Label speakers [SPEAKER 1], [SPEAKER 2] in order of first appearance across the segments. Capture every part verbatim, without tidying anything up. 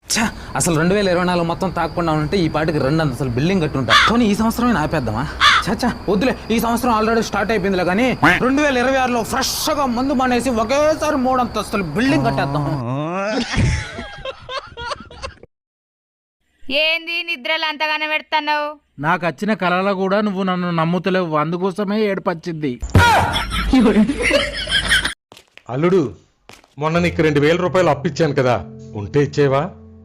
[SPEAKER 1] ఛా, అసలు రెండు వేల ఇరవై నాలుగు మొత్తం తాకుండా ఉంటే ఈ పాటికి రెండు అసలు బిల్డింగ్ కట్టుంటా కానీ ఈ సంవత్సరమే ఆపేద్దామా? చచ్చా వద్దులే, ఈ సంవత్సరం ఆల్రెడీ స్టార్ట్ అయిపోయిందిలే కానీ రెండు వేల ఇరవై ఆరులో ఫ్రెష్ గా మందు మానేసి ఒకేసారి మూడు అంతస్తులు బిల్డింగ్ కట్టేద్దాం.
[SPEAKER 2] ఏంది నిద్రలు అంతగానే పెడతావు?
[SPEAKER 3] నాకు వచ్చిన కళలో కూడా నువ్వు నన్ను నమ్ముతలేవు, అందుకోసమే ఏడుపచ్చింది.
[SPEAKER 4] అల్లుడు, మొన్న నీకు రెండు వేల రూపాయలు అప్పిచ్చాను కదా, ఉంటే ఇచ్చేవా?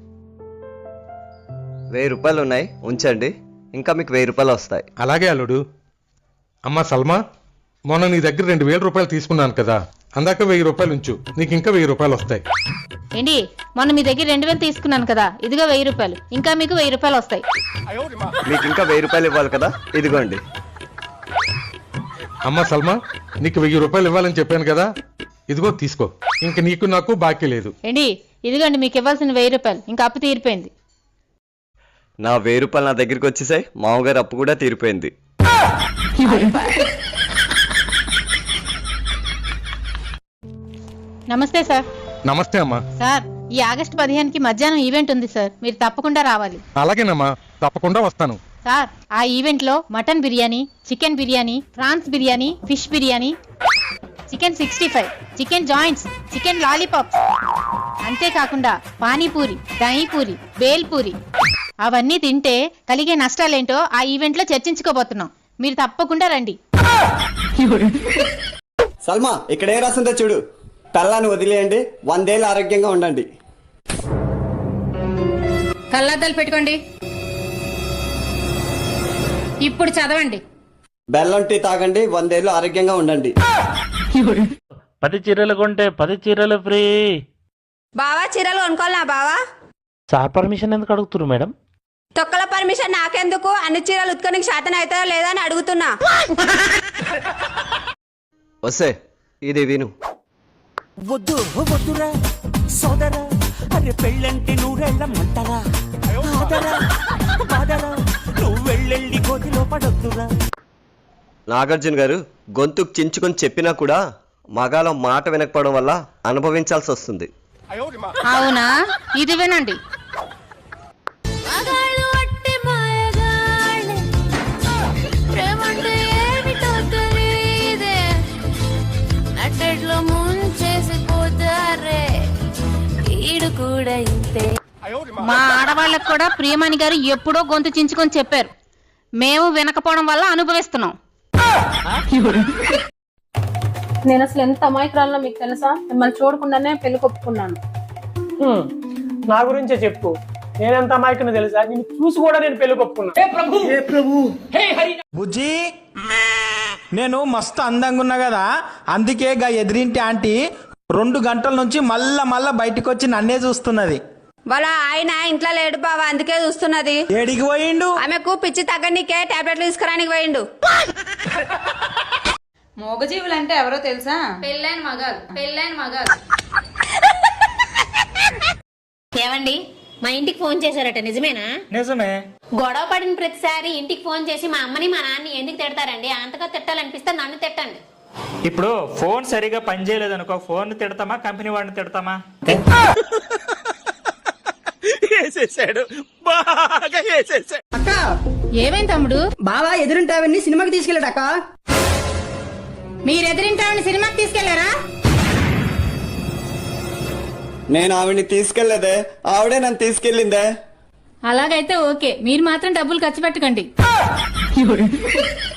[SPEAKER 5] వెయ్యి రూపాయలు ఉన్నాయి, ఉంచండి, ఇంకా మీకు వెయ్యి రూపాయలు వస్తాయి.
[SPEAKER 4] అలాగే అల్లుడు. అమ్మా సల్మా, మొన్న నీ దగ్గర రెండు వేల రూపాయలు తీసుకున్నాను కదా, అందాక వెయ్యి రూపాయలు ఉంచు, నీకు ఇంకా వెయ్యి రూపాయలు వస్తాయి.
[SPEAKER 6] ఏంటి, మొన్న మీ దగ్గర రెండు వేలు తీసుకున్నాను కదా, ఇదిగో వెయ్యి రూపాయలు, ఇంకా మీకు వెయ్యి రూపాయలు వస్తాయి.
[SPEAKER 5] మీకు ఇంకా వెయ్యి రూపాయలు ఇవ్వాలి కదా, ఇదిగోండి.
[SPEAKER 4] అమ్మా సల్మా, నీకు వెయ్యి రూపాయలు ఇవ్వాలని చెప్పాను కదా, ఇదిగో తీసుకో, ఇంక నీకు నాకు బాకీ లేదు.
[SPEAKER 6] ఏంటి, ఇదిగోండి మీకు ఇవ్వాల్సిన వెయ్యి రూపాయలు, ఇంకా అప్పు తీరిపోయింది.
[SPEAKER 5] నా వెయ్యి రూపాయలు నా దగ్గరికి వచ్చేసాయి, మామగారు అప్పు కూడా తీరిపోయింది.
[SPEAKER 6] నమస్తే సార్.
[SPEAKER 4] నమస్తే అమ్మా.
[SPEAKER 6] సార్, ఈ ఆగస్టు పదిహేనుకి మధ్యాహ్నం ఈవెంట్ ఉంది సార్, మీరు తప్పకుండా రావాలి.
[SPEAKER 4] అలాగేనమ్మా, తప్పకుండా వస్తాను.
[SPEAKER 6] సార్, ఆ ఈవెంట్ లో mutton biryani, chicken biryani, prawns biryani, fish biryani, chicken sixty five, chicken joints, chicken lollipops, అంతేకాకుండా పానీపూరి, దహీపూరి, బేల్పూరి, అవన్నీ తింటే కలిగే నష్టాలేంటో ఆ ఈవెంట్ లో చర్చించుకోబోతున్నాం. మీరు తప్పకుండా రండి.
[SPEAKER 7] సల్మా, ఇక్కడ ఏ రాసిందో చూడు. పెళ్ళాన్ని వదిలేయండి, వందేళ్ళు ఆరోగ్యంగా ఉండండి.
[SPEAKER 6] కళ్ళద్దాలు పెట్టుకోండి. ఇప్పుడు చదవండి.
[SPEAKER 7] బెల్లం టీ తాగండి, వందేళ్ళు ఆరోగ్యంగా ఉండండి.
[SPEAKER 3] పది చీరలు కొంటే పది చీరలు ఫ్రీ.
[SPEAKER 2] బావా చీరలు కొనుక్కోవాలా బావా?
[SPEAKER 3] సార్ పర్మిషన్ ఎందుకు అడుగుతున్నారు మేడం?
[SPEAKER 2] తొక్కల పర్మిషన్ నాకెందుకు? అన్ని చీరలు ఉత్కొనికి శాతం అవుతాయో లేదా అని అడుగుతున్నా.
[SPEAKER 5] వస్తే ఇది విను.
[SPEAKER 8] వద్దు వద్దురా సోదరా, అరే పెళ్ళంటే నూరెళ్ళమంటారా, నువ్వు వెళ్ళెళ్ళి కోతిలో పడొద్దురా.
[SPEAKER 5] నాగార్జున గారు గొంతుకు చించుకొని చెప్పినా కూడా మగాల మాట వినకపోవడం వల్ల అనుభవించాల్సి వస్తుంది.
[SPEAKER 6] అవునా, ఇది వినండి. మా ఆడవాళ్ళకు కూడా ప్రియమణి గారు ఎప్పుడో గొంతు చించుకొని చెప్పారు, మేము వినకపోవడం వల్ల అనుభవిస్తున్నాం.
[SPEAKER 9] నేను అసలు ఎంత అమాయకురాలో మీకు తెలుసా? మిమ్మల్ని చూడకుండానే పెళ్లి కొప్పుకున్నాను.
[SPEAKER 10] నా గురించే చెప్పు, నేనెంత అమాయకుని తెలుసా? నేను చూసి కూడా నేను పెళ్లి కొప్పుకున్నాను.
[SPEAKER 8] బుజ్జి, నేను మస్తు అందంగా ఉన్నా కదా, అందుకే గా ఎదిరింటి ఆంటీ రెండు గంటల నుంచి మళ్ళా మళ్ళా బయటకు వచ్చి నన్నే చూస్తున్నది.
[SPEAKER 2] వాళ్ళ ఆయన ఇంట్లో లేడు బావా, అందుకే చూస్తున్నది.
[SPEAKER 8] ఏడికి పోయిండు?
[SPEAKER 2] ఆమెకు పిచ్చి తగ్గనికే టాబ్లెట్లు తీసుకురానికి పోయిండు.
[SPEAKER 9] మోగజీవులు అంటే ఎవరో తెలుసా?
[SPEAKER 6] పెళ్ళైన మగాలు, పెళ్ళైన మగాలు. ఏమండి, మా ఇంటికి ఫోన్ చేశారట, నిజమేనా?
[SPEAKER 10] నిజమే.
[SPEAKER 6] గొడవ పడిన ప్రతిసారి ఇంటికి ఫోన్ చేసి మా అమ్మని మా నాన్నని ఎందుకు తిడతారండి? అంతగా తిట్టాలనిపిస్తే నన్ను తిట్టండి.
[SPEAKER 10] ఇప్పుడు ఫోన్ సరిగా పనిచేయలేదు అనుకో, ఫోన్ తిడతామా కంపెనీ వాడిని తిడతామా?
[SPEAKER 9] అక్క,
[SPEAKER 6] ఏమైంది తమ్ముడు?
[SPEAKER 9] బావా ఎదురుంటావని సినిమాకి తీసుకెళ్ళాడక్క.
[SPEAKER 6] మీరు ఎదిరింటామని సినిమాకి తీసుకెళ్లారా?
[SPEAKER 7] నేను ఆవిడ్ని తీసుకెళ్లేదే, ఆవిడే నన్ను తీసుకెళ్ళిందే.
[SPEAKER 6] అలాగైతే ఓకే, మీరు మాత్రం డబ్బులు ఖర్చు పెట్టకండి.